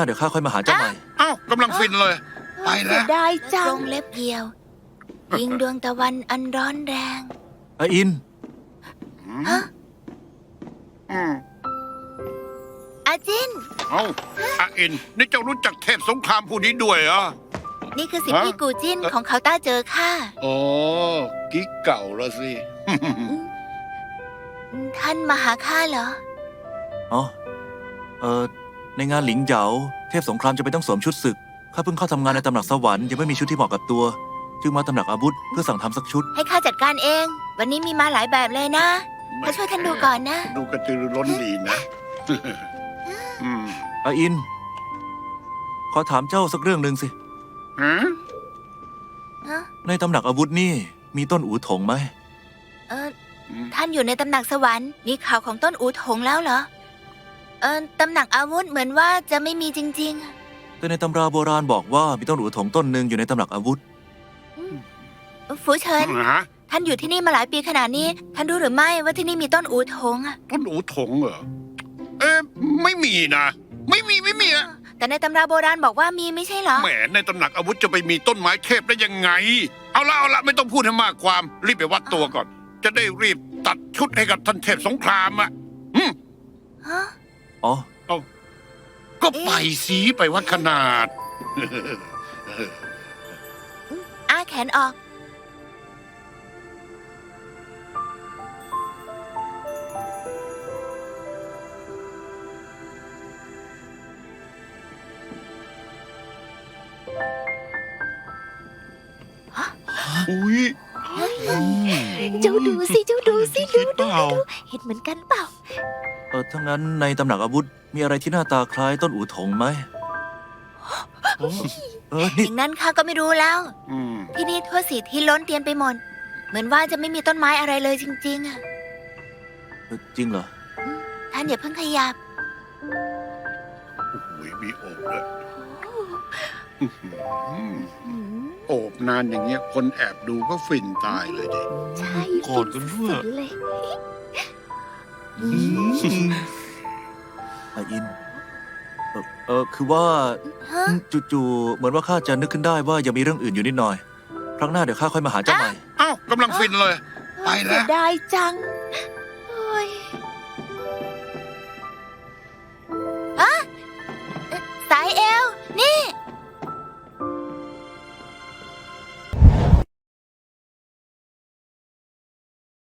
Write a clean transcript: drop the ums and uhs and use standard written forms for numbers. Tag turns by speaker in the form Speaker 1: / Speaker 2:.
Speaker 1: เดี๋ยวข้าค่อยมาหาเจ้าใหม่
Speaker 2: เอ้ากำลังฟินเลย ไป
Speaker 3: เสี
Speaker 2: แล้
Speaker 3: ยว ดายจั
Speaker 4: ตรง งเล็บเดียว ยิงดวงตะวันอันร้อนแรง
Speaker 1: อาอิน
Speaker 4: ฮะ อาจิน
Speaker 2: เอ้าอาอิน นี่เจ้ารู้จักเทพสงครามผู้นี้ด้วยเหรอ
Speaker 4: นี่คือสิทธิพี่กูจินของเขาต้าเจอค่ะ
Speaker 2: อ๋อกิ๊กเก่าแล้วสิ
Speaker 4: ท่านมาหาข้าเหรอ
Speaker 1: อ๋อ ในงานหลิงเหยาเทพสงครามจะไปต้องสวมชุดศึก ข้าเพิ่งเข้าทำงานในตำหนักสวรรค์ยังไม่มีชุดที่เหมาะกับตัว จึงมาตำหนักอาวุธเพื่อสั่งทำสักชุด
Speaker 4: ให้ข้าจัดการเอง วันนี้มีมาหลายแบบเลยนะข้าช่วยท่านดูก่อนนะ
Speaker 2: ดูกระตือรือร้นดีนะ
Speaker 1: อาอิน ขอถามเจ้าสักเรื่องหนึ่งสิ
Speaker 2: ฮะ
Speaker 1: ในตำหนักอาวุธนี่มีต้นอู่ถงไหม
Speaker 4: ท่านอยู่ในตำหนักสวรรค์มีข่าวของต้นอูถงแล้วเหรอ ตำหนักอาวุธเหมือนว่าจะไม่มีจริง
Speaker 1: แต่ในตำราโบราณบอกว่ามีต้นอู่ถงต้นหนึ่งอยู่ในตำหนักอาวุธ
Speaker 4: ๆ ฟูเฉิน
Speaker 2: ฮะ
Speaker 4: ท่านอยู่ที่นี่มาหลายปีขนาดนี้ ท่านรู้หรือไม่ว่าที่นี่มีต้นอูถงอะ
Speaker 2: ต้นอูถงเหรอ ไม่มีนะ ไม่มีอะ
Speaker 4: แต่ในตำราโบราณบอกว่ามีไม่ใช่เหรอ
Speaker 2: แหมในตำหนักอาวุธจะไปมีต้นไม้เทพได้ยังไง เอาละไม่ต้องพูดให้มากความ รีบไปวัดตัวก่อน จะได้รีบตัดชุดให้กับท่านเทพสงครามอ่ะ
Speaker 4: ฮะ
Speaker 1: อ๋อ
Speaker 2: ก็ไปสีไปวัดขนาด
Speaker 4: อ้าแขนออก
Speaker 2: อุ้ย
Speaker 3: เจ้าดูสิ เจ้าดูสิ
Speaker 2: คิดเปล่า
Speaker 3: เห็นเหมือนกันเปล่า
Speaker 1: ถ้างั้นในตำหนักอาวุธมีอะไรที่หน้าตาคล้ายต้นอู่ถงไหม
Speaker 4: อ
Speaker 1: นี่
Speaker 4: ย่างนั้นข้าก็ไม่รู้แล้ว
Speaker 2: อืม
Speaker 4: ที่นี่ทั่วสีที่ล้นเตียนไปหมด เหมือนว่าจะไม่มีต้นไม้อะไรเลยจริงๆอะ
Speaker 1: จริงเหรอ
Speaker 4: ท่านอย่าเพิ่งขยับ
Speaker 2: โอ้โหมีโอบด้วยโอบนานอย่างเงี้ย คนแอบดูก็ฟินตายเลยดิ
Speaker 3: ใช่
Speaker 2: กอดกันด้วย
Speaker 3: สุดๆเลย
Speaker 1: อาอิน คือว่า
Speaker 4: ฮะ
Speaker 1: จู่ๆเหมือนว่าข้าจะนึกขึ้นได้ว่ายังมีเรื่องอื่นอยู่นิดหน่อย ครั้งหน้าเดี๋ยวข้าค่อยมาหาเจ้าใหม่
Speaker 2: เอ้ากำลังฟินเลย ไป
Speaker 3: เสี
Speaker 2: แล้
Speaker 3: ยว ดายจังโอ้ย
Speaker 4: สายเอว นี่